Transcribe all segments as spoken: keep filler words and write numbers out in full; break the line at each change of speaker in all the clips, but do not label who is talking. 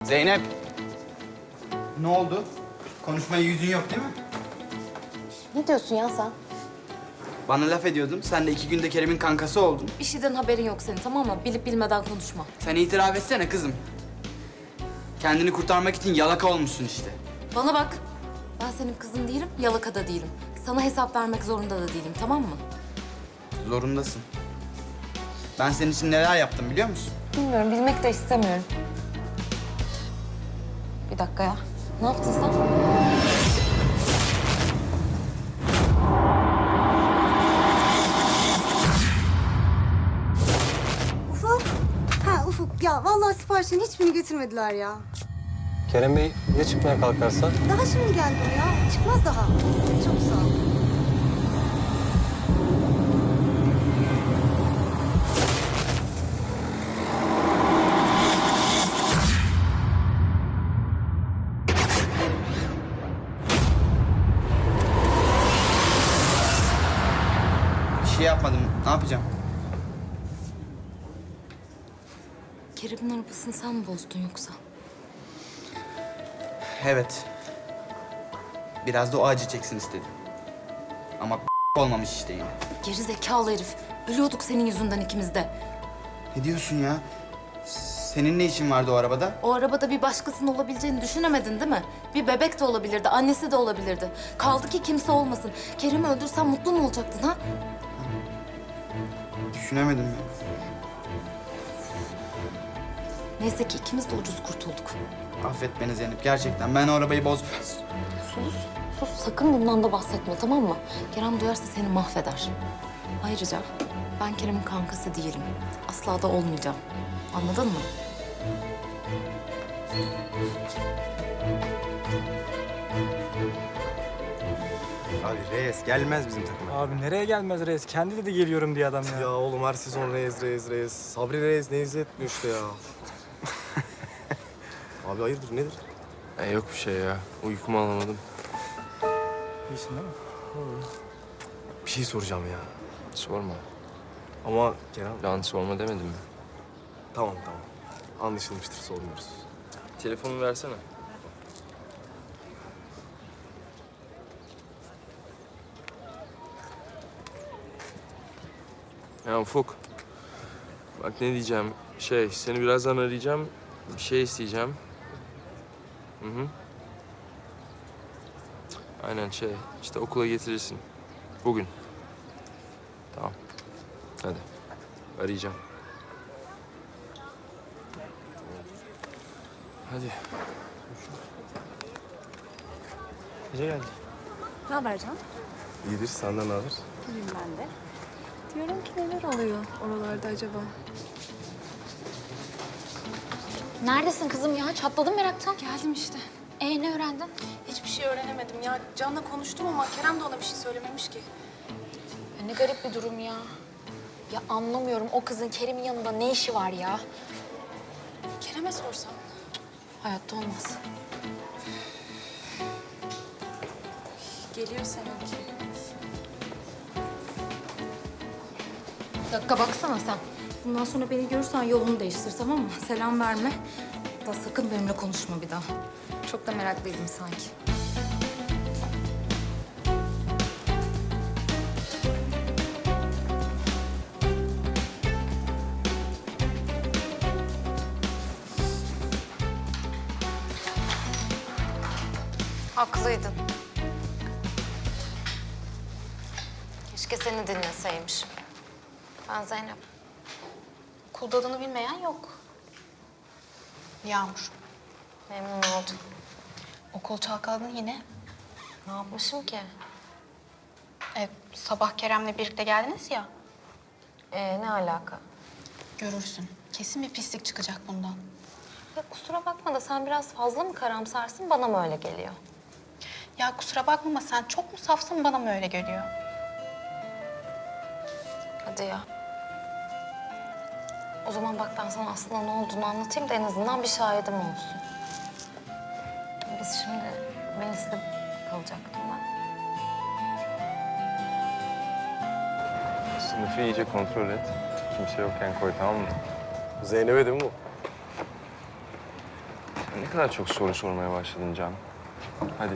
Zeynep. Ne oldu? Konuşmaya yüzün yok değil mi?
Ne diyorsun ya sen?
Bana laf ediyordun. Sen de iki günde Kerem'in kankası oldun.
Bir şeyden haberin yok senin, tamam mı? Bilip bilmeden konuşma.
Sen itiraf etsene kızım. Kendini kurtarmak için yalaka olmuşsun işte.
Bana bak. Ben senin kızın değilim, yalaka da değilim. Sana hesap vermek zorunda da değilim, tamam mı?
Zorundasın. Ben senin için neler yaptım biliyor musun?
Bilmiyorum, bilmek de istemiyorum. Bir dakika ya. Ne yaptın sen?
Ufuk. Ha Ufuk ya vallahi siparişlerin hiçbirini getirmediler ya.
Kerem Bey ya çıkmaya kalkarsa?
Daha şimdi geldi o ya. Çıkmaz daha. Çok sağ ol.
Bir şey yapmadım. Ne yapacağım?
Kerem'in arabasını sen mi bozdun yoksa?
Evet. Biraz da o acı çeksin istedim. Ama olmamış işte yine.
Geri zekalı herif. Ölüyorduk senin yüzünden ikimiz de.
Ne diyorsun ya? Senin ne işin vardı o arabada?
O arabada bir başkasının olabileceğini düşünemedin değil mi? Bir bebek de olabilirdi, annesi de olabilirdi. Kaldı ki kimse olmasın. Kerem'i öldürsen mutlu mu olacaktın ha?
Düşünemedim ya.
Neyse ki ikimiz de ucuz kurtulduk.
Affet beni Zeynep gerçekten. Ben o arabayı boz...
Sus, sus. Sakın bundan da bahsetme, tamam mı? Kerem duyarsa seni mahveder. Ayrıca ben Kerem'in kankası değilim. Asla da olmayacağım. Anladın mı?
Abi Reyes gelmez bizim takıma.
Abi nereye gelmez reis? Kendi dedi geliyorum diye adam ya.
Ya oğlum her sezon Reyes, Reyes, Reyes. Sabri Reyes ne izletmiyor işte ya. Abi hayırdır nedir?
Ya yok bir şey ya. Uykumu alamadım.
İyisin değil mi?
Bir şey soracağım ya.
Sorma.
Ama Kerem...
Lan sorma demedim mi?
Tamam tamam. Anlaşılmıştır sormuyoruz.
Telefonumu versene. Ya Ufuk. Bak ne diyeceğim. Şey, seni birazdan arayacağım. Bir şey isteyeceğim. Hı hı. Aynen şey, işte okula getirirsin. Bugün. Tamam. Hadi. Arayacağım. Hadi.
Gece geldi.
Ne haber Can?
İyidir senden ne haber?
İyiyim ben de. Diyorum ki neler oluyor oralarda acaba?
Neredesin kızım ya? Çatladım meraktan.
Geldim işte.
Ee ne öğrendin?
Hiçbir şey öğrenemedim ya. Can'la konuştum ama Kerem de ona bir şey söylememiş ki.
Ya ne garip bir durum ya. Ya anlamıyorum o kızın Kerim'in yanında ne işi var ya?
Kerem'e sorsam.
Hayatta olmaz.
Geliyor seninki.
Bir dakika baksana sen. Bundan sonra beni görürsen yolunu değiştir, tamam mı? Selam verme. Da sakın benimle konuşma bir daha. Çok da meraklıydım sanki. Haklıydın. Keşke seni dinleseymişim. Ben Zeynep.
Okulda adını bilmeyen yok. Yağmur.
Memnun oldum.
Okul çalkaladın yine.
Ne yapmışım ki?
E, sabah Kerem'le birlikte geldiniz ya.
Ee, ne alaka?
Görürsün. Kesin bir pislik çıkacak bundan.
Ya kusura bakma da sen biraz fazla mı karamsarsın, bana mı öyle geliyor?
Ya kusura bakma ama sen çok mu safsın bana mı öyle geliyor?
Hadi ya. O zaman bak ben sana aslında ne olduğunu anlatayım da en azından bir şahidim olsun. Biz şimdi Melis'le kalacaktım ben.
Sınıfı iyice kontrol et. Kimse yokken koy, tamam mı?
Zeynep'e değil mi bu?
Ne kadar çok soru sormaya başladın Can. Hadi.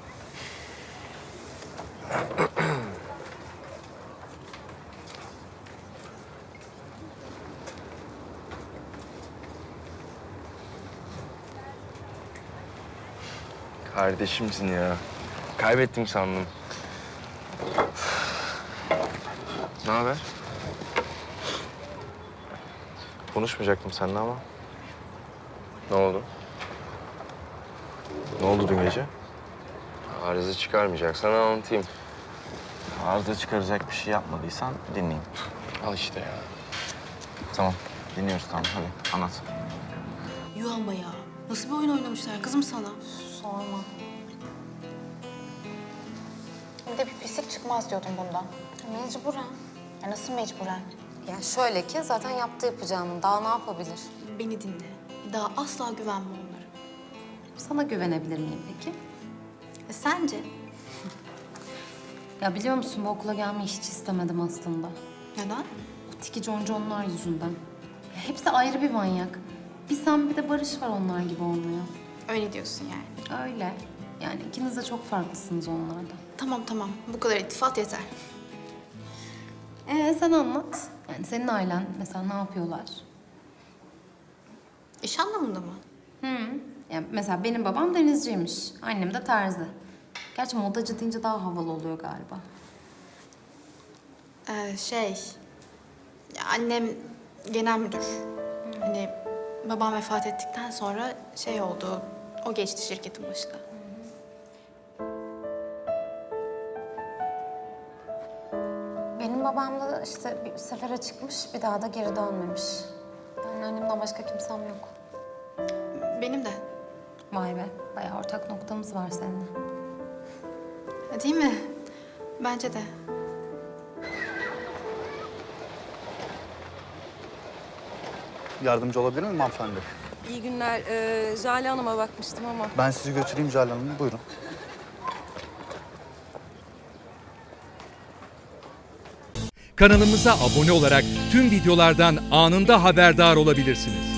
Kardeşimsin ya. Kaybettim sandım. Ne haber? Konuşmayacaktım seninle ama. Ne oldu? Ne oldu dün gece? Arıza çıkarmayacaksan anlatayım.
Arıza çıkaracak bir şey yapmadıysan dinleyeyim.
Al işte ya.
Tamam. Dinliyoruz tamam hadi anlat.
Yuh ama ya. Nasıl bir oyun oynamışlar kızım sana?
Sorma. Bir de bir pislik çıkmaz diyordum bundan. Mecburen. Ya nasıl mecburen?
Ya şöyle ki zaten yaptı yapacağını. Daha ne yapabilir?
Beni dinle. Daha asla güvenme onlara.
Sana güvenebilir miyim peki?
E sence?
Ya biliyor musun bu okula gelmeyi hiç istemedim aslında.
Neden?
O tiki conconlar yüzünden. Ya hepsi ayrı bir manyak. Bir sen bir de Barış var onlar gibi olmuyor.
Öyle diyorsun yani.
Öyle. Yani ikiniz de çok farklısınız onlardan.
Tamam tamam. Bu kadar ittifat yeter.
Ee sen anlat. Yani senin ailen mesela ne yapıyorlar?
İş anlamında mı?
Hı. Yani mesela benim babam denizciymiş. Annem de terzi. Gerçi modacı deyince daha havalı oluyor galiba.
Ee, şey... ya annem genel müdür. Hani babam vefat ettikten sonra şey oldu... O geçti şirketin başına.
Benim babam da işte bir sefere çıkmış, bir daha da geri dönmemiş. Yani annemden başka kimsem yok.
Benim de.
Vay be, bayağı ortak noktamız var seninle.
Ha, değil mi? Bence de.
Yardımcı olabilir miyim hanımefendi?
İyi günler. Ee, Jale Hanım'a bakmıştım ama.
Ben sizi götüreyim Jale Hanım. Buyurun.
Kanalımıza abone olarak tüm videolardan anında haberdar olabilirsiniz.